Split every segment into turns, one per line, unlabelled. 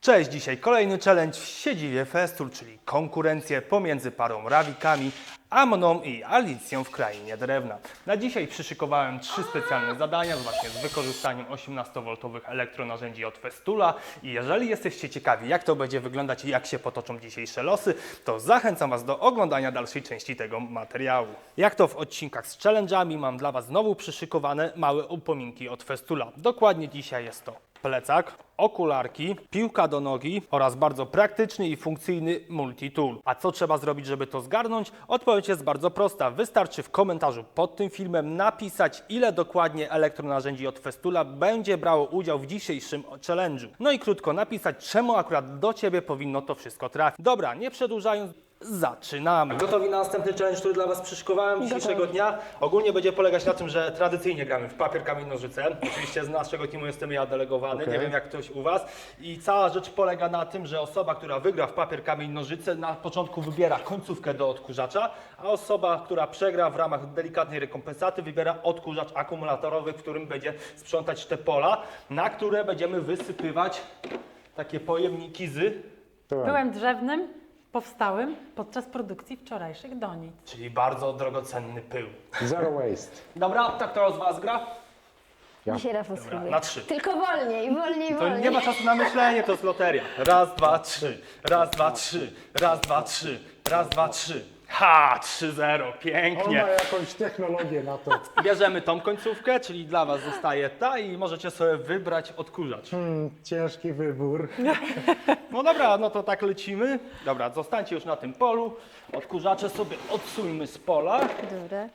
Cześć, dzisiaj kolejny challenge w siedzibie Festool, czyli konkurencję pomiędzy parą Rawikami, a mną i Alicją w Krainie Drewna. Na dzisiaj przyszykowałem 3 specjalne zadania właśnie z wykorzystaniem 18V elektronarzędzi od Festoola i jeżeli jesteście ciekawi, jak to będzie wyglądać i jak się potoczą dzisiejsze losy, to zachęcam Was do oglądania dalszej części tego materiału. Jak to w odcinkach z challenge'ami, mam dla Was znowu przyszykowane małe upominki od Festoola. Dokładnie dzisiaj jest to plecak, okularki, piłka do nogi oraz bardzo praktyczny i funkcyjny multi-tool. A co trzeba zrobić, żeby to zgarnąć? Odpowiedź jest bardzo prosta. Wystarczy w komentarzu pod tym filmem napisać, ile dokładnie elektronarzędzi od Festoola będzie brało udział w dzisiejszym challenge'u. No i krótko napisać, czemu akurat do Ciebie powinno to wszystko trafić. Dobra, nie przedłużając, zaczynamy. Gotowi na następny challenge, który dla Was przyszykowałem dzisiejszego dnia? Ogólnie będzie polegać na tym, że tradycyjnie gramy w papier, kamień, nożyce. Oczywiście z naszego teamu jestem ja delegowany, nie wiem jak ktoś u Was. I cała rzecz polega na tym, że osoba, która wygra w papier, kamień, nożyce na początku wybiera końcówkę do odkurzacza, a osoba, która przegra w ramach delikatnej rekompensaty wybiera odkurzacz akumulatorowy, w którym będzie sprzątać te pola, na które będziemy wysypywać takie pojemniki z...
Byłem drzewnym, powstałym podczas produkcji wczorajszych donic.
Czyli bardzo drogocenny pył.
Zero waste.
Dobra, tak to z Was gra?
Ja.
Dzisiaj Rafał spróbuje.
na 3.
Tylko wolniej, wolniej,
To
wolniej.
nie ma czasu na myślenie, to jest loteria. Raz, dwa, trzy. Raz, dwa, trzy. Raz, dwa, trzy. Raz, dwa, trzy. Ha! 3-0.
On
Pięknie.
ma jakąś technologię na to.
Bierzemy tą końcówkę, czyli dla Was zostaje ta i możecie sobie wybrać odkurzacz.
Ciężki wybór.
No dobra, no to tak lecimy. Dobra, zostańcie już na tym polu. Odkurzacze sobie odsuńmy z pola.
Dobra.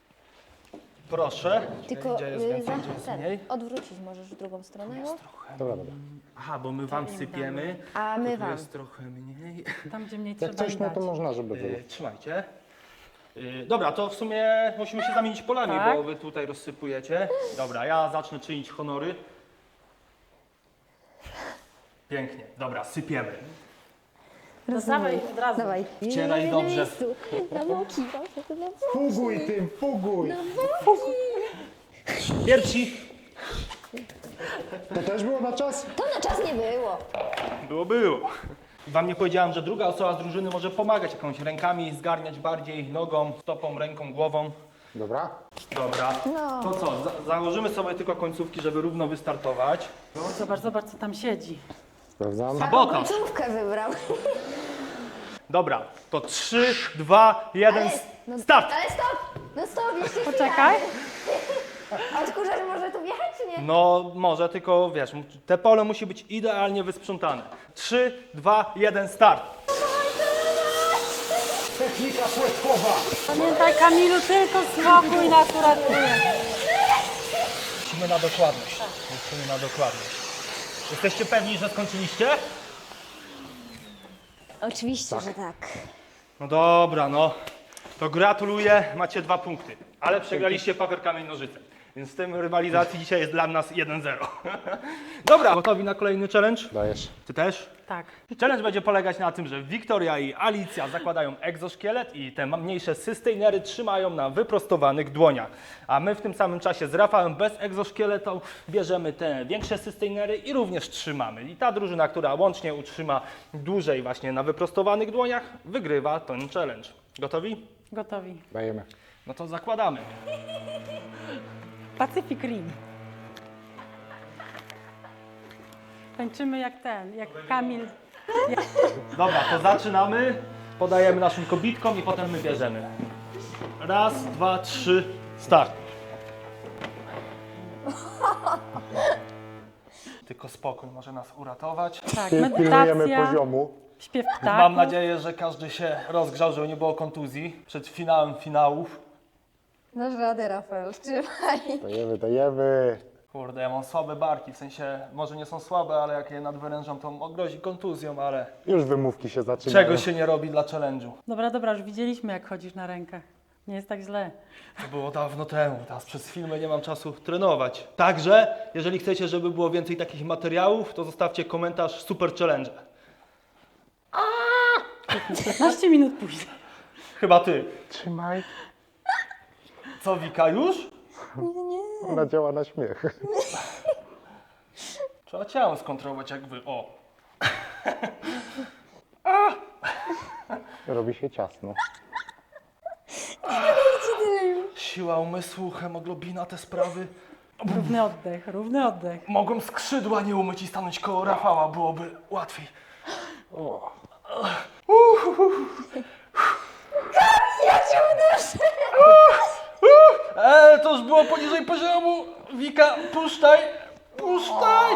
Proszę.
Tylko
Gdzie jest więcej, gdzie jest
ten,
mniej?
odwrócić możesz w drugą stronę. No?
Dobra, dobra.
Aha, bo my Wam sypiemy.
A my
Tu
wam.
jest trochę mniej.
Tam, gdzie mniej
Jak
trzeba
coś,
im
no
dać.
to można, żeby było.
Trzymajcie. Dobra, to w sumie musimy się zamienić polami,
Tak.
bo Wy tutaj rozsypujecie. Dobra, ja zacznę czynić honory. Pięknie. Dobra, sypiemy.
No dawaj od razu.
Dawaj.
Wcieraj
Nie,
dobrze.
Na miejscu. Na boki, proszę, na boki.
Fuguj tym, fuguj!
Pierwsi.
To też było na czas?
To na czas nie było.
Było. Wam nie powiedziałem, że druga osoba z drużyny może pomagać jakąś rękami, zgarniać bardziej nogą, stopą, ręką, głową.
Dobra.
Dobra.
No.
To co, założymy sobie tylko końcówki, żeby równo wystartować.
Zobacz, zobacz, co tam siedzi.
Sprawdzam.
Sabotaż.
Końcówkę wybrał.
Dobra, to 3, 2, 1,
no,
start!
Ale stop! No stop, jeszcze
Poczekaj.
chwilę. Odkurzacz może tu wjechać, czy nie?
No może, tylko wiesz, te pole musi być idealnie wysprzątane. 3, 2, 1, start!
Technika płetkowa!
Pamiętaj, Kamilu, tylko spokój nas uratuje.
Musimy na dokładność. Musimy na dokładność. Jesteście pewni, że skończyliście?
Oczywiście, że tak.
No dobra, no. To gratuluję, macie 2 punkty. Ale przegraliście papier, kamień, nożyce. Więc w tym rywalizacji dzisiaj jest dla nas 1-0. Dobra, gotowi na kolejny challenge?
Dajesz.
Ty też?
Tak.
Challenge będzie polegać na tym, że Wiktoria i Alicja zakładają egzoszkielet i te mniejsze sustainery trzymają na wyprostowanych dłoniach. A my w tym samym czasie z Rafałem bez egzoszkieletu bierzemy te większe sustainery i również trzymamy. I ta drużyna, która łącznie utrzyma dłużej właśnie na wyprostowanych dłoniach, wygrywa ten challenge. Gotowi?
Gotowi.
Dajemy.
No to zakładamy.
Pacific Rim. Tańczymy jak ten, jak Kamil.
Dobra, to zaczynamy. Podajemy naszym kobitkom i potem my bierzemy. Raz, 2, 3, start. Tylko spokój może nas uratować.
Tak,
Pilnujemy
medytacja,
poziomu.
śpiew
Mam
ptaków.
nadzieję, że każdy się rozgrzał, żeby nie było kontuzji przed finałem finałów.
Dasz radę, Rafał, trzymaj.
Dajemy, dajemy.
Kurde, ja mam słabe barki, w sensie może nie są słabe, ale jak je nadwyrężam, to grozi kontuzją, ale
Już wymówki się zaczynają.
czego się nie robi dla challenge'u.
Dobra, już widzieliśmy, jak chodzisz na rękach. Nie jest tak źle.
To było dawno temu, teraz przez filmy nie mam czasu trenować. Także, jeżeli chcecie, żeby było więcej takich materiałów, to zostawcie komentarz super challenge.
15 minut później.
Chyba ty.
Trzymaj.
Co, Wika, już?
Ona działa na śmiech.
Trzeba ciało skontrolować jak wy. O.
Robi się ciasno.
Siła umysłu, hemoglobina, te sprawy.
Równy oddech, równy oddech.
Mogłem skrzydła nie umyć i stanąć koło Rafała, byłoby łatwiej.
Ja cię uderzę!
To już było poniżej poziomu. Wika, puszczaj, puszczaj.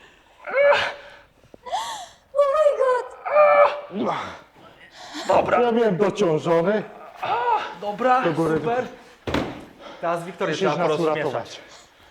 Oh my god!
Dobra,
Ja byłem dociążony.
dobra,
Do góry,
super. Teraz Wiktorię
Musisz
trzeba
nas
porozmieszać.
uratować.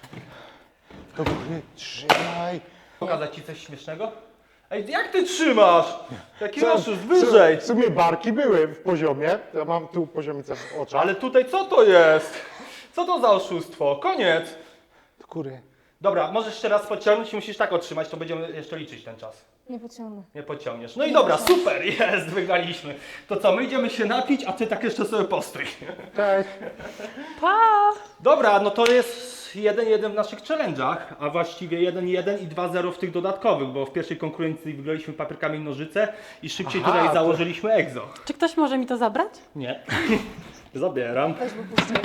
Do góry, trzymaj.
Pokazać ci coś śmiesznego? Ej, jak ty trzymasz? Jaki oszust, wyżej.
W sumie barki były w poziomie. Ja mam tu poziomicę w oczach.
Ale tutaj co to jest? Co to za oszustwo? Koniec.
Do góry.
Dobra, możesz jeszcze raz podciągnąć i musisz tak otrzymać, to będziemy jeszcze liczyć ten czas.
Nie pociągnę.
Nie podciągniesz. No i dobra, super, jest, wygraliśmy. To co, my idziemy się napić, a ty tak jeszcze sobie postój.
Cześć.
Pa!
Dobra, no to jest 1-1 w naszych challenge'ach, a właściwie 1-1 i 2-0 w tych dodatkowych, bo w pierwszej konkurencji wygraliśmy papierkami i nożyce i szybciej
Aha,
tutaj
to-
założyliśmy egzo.
Czy ktoś może mi to zabrać?
Nie. Zabieram.
Weź, bo puszczę.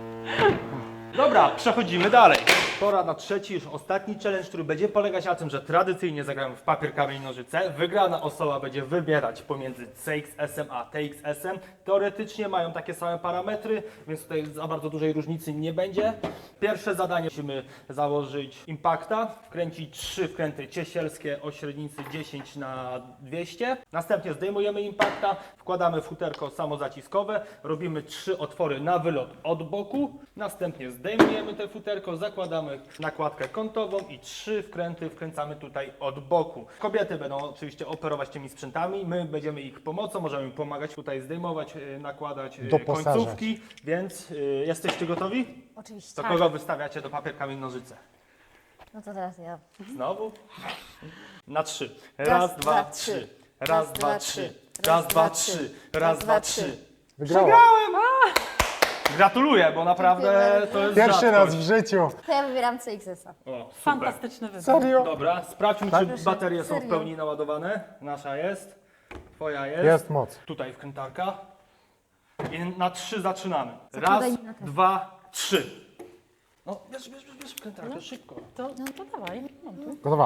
Dobra, przechodzimy dalej. Pora na trzeci, już ostatni challenge, który będzie polegać na tym, że tradycyjnie zagramy w papier, kamień, nożyce. Wygrana osoba będzie wybierać pomiędzy CXS-em a TXS-em. Teoretycznie mają takie same parametry, więc tutaj za bardzo dużej różnicy nie będzie. Pierwsze zadanie musimy założyć impakta, wkręcić 3 wkręty ciesielskie o średnicy 10 na 200. Następnie zdejmujemy impakta, wkładamy futerko samozaciskowe, robimy 3 otwory na wylot od boku. Następnie zdejmujemy te futerko, zakładamy nakładkę kątową i 3 wkręty wkręcamy tutaj od boku. Kobiety będą oczywiście operować tymi sprzętami, my będziemy ich pomocą, możemy im pomagać tutaj zdejmować, nakładać
Doposażać.
końcówki, więc jesteście gotowi?
Oczywiście.
To kogo wystawiacie do papier, kamień, nożyce?
No to teraz ja.
Znowu? Na 3. Raz,
Raz,
dwa,
dwa,
trzy.
trzy.
Raz, dwa, trzy. Raz, dwa, trzy. Raz, dwa, trzy.
Wygrała.
Przegrałem! Gratuluję, bo naprawdę
Dziękuję
to jest
Pierwszy raz
rzadkość.
w życiu.
To ja wybieram CXS-a.
O, super.
Fantastyczny wybór.
Serio?
Dobra, sprawdźmy,
Tak?
czy baterie są w
Serio?
pełni naładowane. Nasza jest. Twoja jest.
Jest moc.
Tutaj wkrętarka. I na 3 zaczynamy. Raz,
Zakładaj mi na ten.
2, 3. No, bierz wkrętarkę, szybko.
To dawaj. Mam tu.
Gotowa.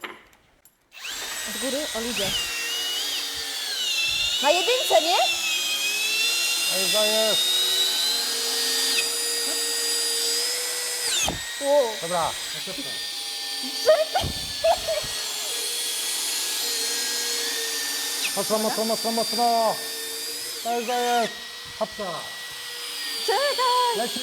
Od góry o ludzie. Na jedynce, nie?
Ej, jest.
Wow.
Dobra. Mocno, mocno, mocno, mocno. Jest. Hopsa.
Czekaj!
Leci.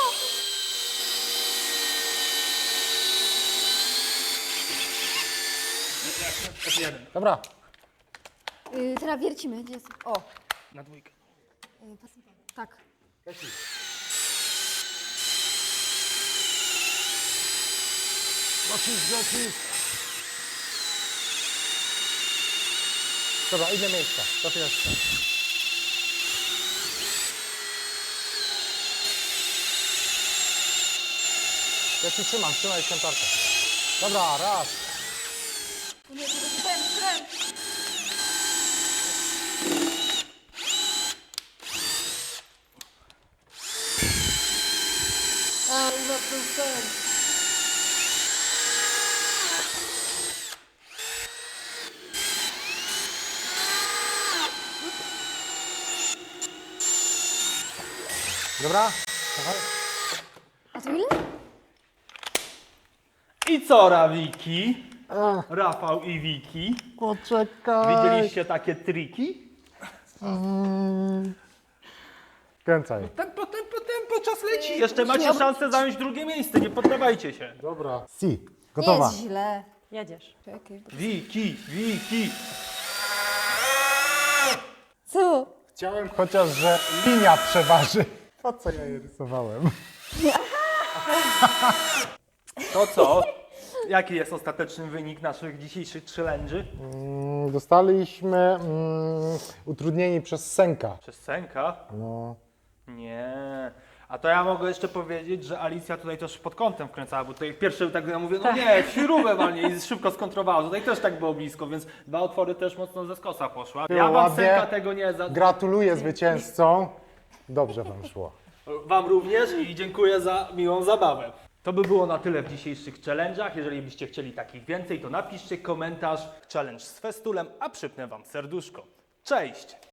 F1.
Dobra.
Teraz wiercimy. Gdzie jest? O.
Na dwójkę.
Tak.
Lecisz. Dobra, inne miejsca. To pierwsze. Ja ci trzymaj kantarkę. Dobra, raz. Dobra? Dawaj.
A to ile?
I co, Rawiki? Rafał i Wiki.
Poczekaj.
Widzieliście takie triki?
Kręcaj.
Tempo, czas leci. Jeszcze macie szansę zająć drugie miejsce, nie poddawajcie się.
Dobra. Si.
Nie
Gotowa.
jest źle.
Jedziesz.
Czekaj.
Wiki.
Co?
Chciałem chociaż, że linia przeważy. Po co ja je rysowałem?
To co? Jaki jest ostateczny wynik naszych dzisiejszych challenge'y?
Dostaliśmy utrudnieni przez Senka.
Przez Senka?
No.
Nie. A to ja mogę jeszcze powiedzieć, że Alicja tutaj też pod kątem wkręcała, bo tutaj pierwszy tak ja mówię, no nie, śrubę walnie i szybko skontrowała. Tutaj też tak było blisko, więc 2 otwory też mocno ze skosa poszła.
Było
Ja wam
ładnie.
synka tego nie za...
Gratuluję zwycięzcom. Dobrze wam szło.
Wam również i dziękuję za miłą zabawę. To by było na tyle w dzisiejszych challenge'ach. Jeżeli byście chcieli takich więcej, to napiszcie komentarz challenge z festulem, a przypnę wam serduszko. Cześć!